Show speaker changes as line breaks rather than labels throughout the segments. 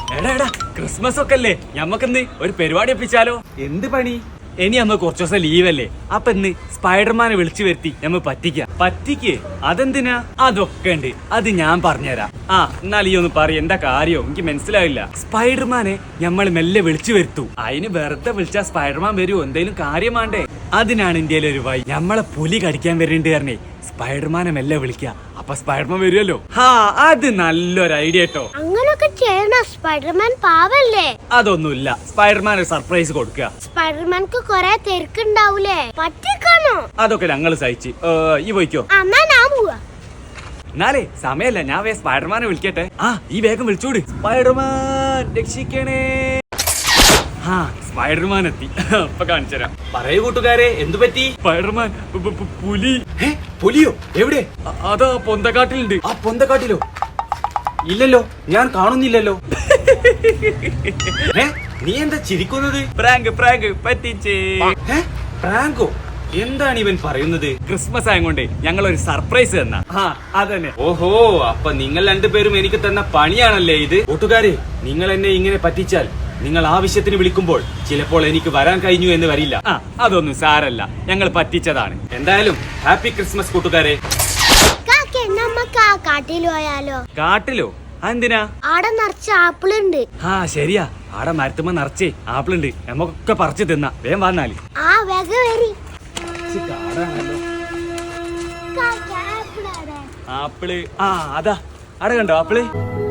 എടാ എടാ ക്രിസ്മസ് ഒക്കെ അല്ലേ ഞമ്മക്കിന്ന് ഒരു പരിപാടി ഒപ്പിച്ചാലോ?
എന്ത് പണി?
ഇനി നമ്മ കുറച്ചു ദിവസം ലീവല്ലേ, അപ്പൊ ഇന്ന് സ്പൈഡർമാനെ വിളിച്ചു വരുത്തി നമ്മ പറ്റിക്ക്. അതെന്തിനാ? അതൊക്കെ ഉണ്ട്, അത് ഞാൻ പറഞ്ഞുതരാം. എന്നാൽ ഈ ഒന്ന് പറ, എന്താ കാര്യോ? എനിക്ക് മനസ്സിലായില്ല. സ്പൈഡർമാനെ നമ്മൾ മെല്ലെ വിളിച്ചു വരുത്തു. അതിന് വെറുതെ വിളിച്ചാ സ്പൈഡർമാൻ വരുമോ? എന്തേലും കാര്യം വേണ്ടേ? അതിനാണ് ഇന്ത്യയിലെ ഒരു വഴി. നമ്മളെ പുലി കടിക്കാൻ വരുന്നുണ്ട് പറഞ്ഞേ, സ്പൈഡർമാനെ മെല്ലെ വിളിക്കുക, അപ്പൊ സ്പൈഡർമാൻ വരുമല്ലോ. അത് നല്ലൊരു ഐഡിയ കേട്ടോ.
അങ്ങനൊക്കെ ചെയ്യണം. സ്പൈഡർമാൻ പാവല്ലേ?
അതൊന്നുമില്ല, സ്പൈഡർമാൻ ഒരു സർപ്രൈസ് കൊടുക്കുക.
സ്പൈഡർമാൻക്ക് കൊറേ തിരക്കുണ്ടാവൂലേ, പറ്റിക്കാണോ?
അതൊക്കെ ഞങ്ങൾ സഹിച്ച്. ഈ പോയിക്കോ.
എന്നാ ഞാൻ പോവാ.
എന്നാലേ സമയല്ല, ഞാൻ സ്പൈഡർമാനെ വിളിക്കട്ടെ. ഈ വേഗം വിളിച്ചോട്. സ്പൈഡർമാൻ രക്ഷിക്കണേ. സ്പൈഡർമാൻ എത്തി. ഇപ്പൊ കാണിച്ചുതരാം.
പറയൂ കൂട്ടുകാരെ, എന്തു പറ്റി?
സ്പൈഡർമാൻ പുലി.
പുലിയോ? എവിടെ?
അതാ പൊന്തക്കാട്ടിലുണ്ട്.
ആ പൊന്തക്കാട്ടിലോ? ഇല്ലല്ലോ, ഞാൻ കാണുന്നില്ലല്ലോ. നീ എന്താ ചിരിക്കുന്നത്?
പ്രാങ്ക് പറ്റിച്ചേ.
പ്രാങ്കോ? എന്താണ് ഇവൻ പറയുന്നത്?
ക്രിസ്മസ് ആയതുകൊണ്ട് ഞങ്ങൾ ഒരു സർപ്രൈസ് തന്ന. അതന്നെ.
ഓഹോ, അപ്പൊ നിങ്ങൾ രണ്ടുപേരും എനിക്ക് തന്ന പണിയാണല്ലേ ഇത്? കൂട്ടുകാരെ, നിങ്ങൾ എന്നെ ഇങ്ങനെ പറ്റിച്ചാൽ നിങ്ങൾ ആവശ്യത്തിന് വിളിക്കുമ്പോൾ ചിലപ്പോൾ എനിക്ക് വരാൻ കഴിഞ്ഞു എന്ന് വരില്ല.
അതൊന്നും സാരല്ല, ഞങ്ങൾ പറ്റിച്ചതാണ്.
എന്തായാലും ഹാപ്പി ക്രിസ്മസ് കൂട്ടുകാരെ.
നമുക്ക് ആ കാട്ടിൽ പോയാലോ?
കാട്ടിലോ? എന്തിനാ?
ആടെ നിറച്ച ആപ്പിൾ ഉണ്ട്.
ശരിയാ, ആടെ മരത്തുമ്പോ നിറച്ചേ ആപ്പിൾ ഉണ്ട്. നമുക്കൊക്കെ പറിച്ചു തിന്നാ. വേഗം വന്നാല്.
വേഗം വരി.
ആപ്പിള് അതാ ആടെ കണ്ടോ ആപ്പിള്?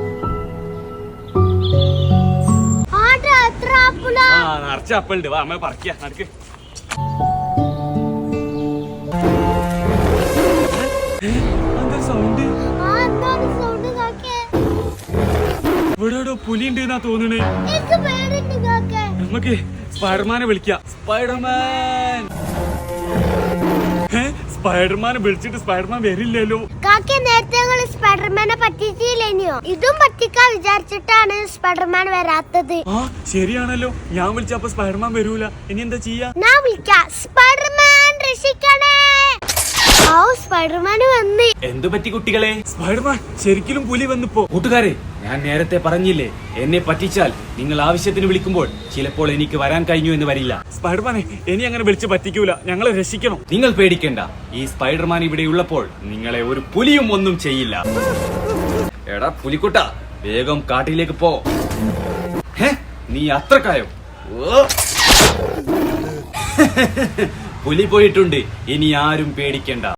നിറച്ച ആപ്പിളുണ്ട്. വാ അമ്മ പറിക്ക. നടക്ക്. സൗണ്ട് ഇവിടെ പുലി ഉണ്ട് എന്നാ തോന്നണേ. നമുക്ക് സ്പൈഡർമാനെ വിളിക്കാം. സ്പൈഡർമാൻ. സ്പൈഡർമാനെ വിളിച്ചിട്ട് സ്പൈഡർമാൻ വരില്ലല്ലോ.
നേരത്തെ സ്പൈഡർമാനെ പറ്റിച്ചില്ലേനോ? ഇതും പറ്റിക്കാൻ വിചാരിച്ചിട്ടാണ് സ്പൈഡർമാൻ വരാത്തത്.
ശരിയാണല്ലോ, ഞാൻ വിളിച്ചപ്പോ സ്പൈഡർമാൻ വരൂല. ഇനി എന്താ ചെയ്യാ?
ഞാൻ വിളിക്കാം. സ്പൈഡർമാൻ രക്ഷിക്കണേ. സ്പൈഡർമാൻ വന്ന്.
എന്തു പറ്റി കുട്ടികളെ?
സ്പൈഡർമാൻ ശരിക്കും പുലി വന്നിപ്പോ.
കൂട്ടുകാരെ, ഞാൻ നേരത്തെ പറഞ്ഞില്ലേ, എന്നെ പറ്റിച്ചാൽ നിങ്ങൾ ആവശ്യത്തിന് വിളിക്കുമ്പോൾ ചിലപ്പോൾ എനിക്ക് വരാൻ കഴിഞ്ഞു എന്ന് വരില്ല.
സ്പൈഡർമാനെ ഇനി അങ്ങനെ വിളിച്ച് പറ്റിക്കൂല, ഞങ്ങളെ രക്ഷിക്കണം.
നിങ്ങൾ പേടിക്കണ്ട, ഈ സ്പൈഡർമാൻ ഇവിടെ ഉള്ളപ്പോൾ നിങ്ങളെ ഒരു പുലിയും ഒന്നും ചെയ്യില്ല. എടാ പുലിക്കുട്ട, വേഗം കാട്ടിലേക്ക് പോ. നീ അത്രക്കായോ? പുലി പോയിട്ടുണ്ട്, ഇനി ആരും പേടിക്കണ്ട.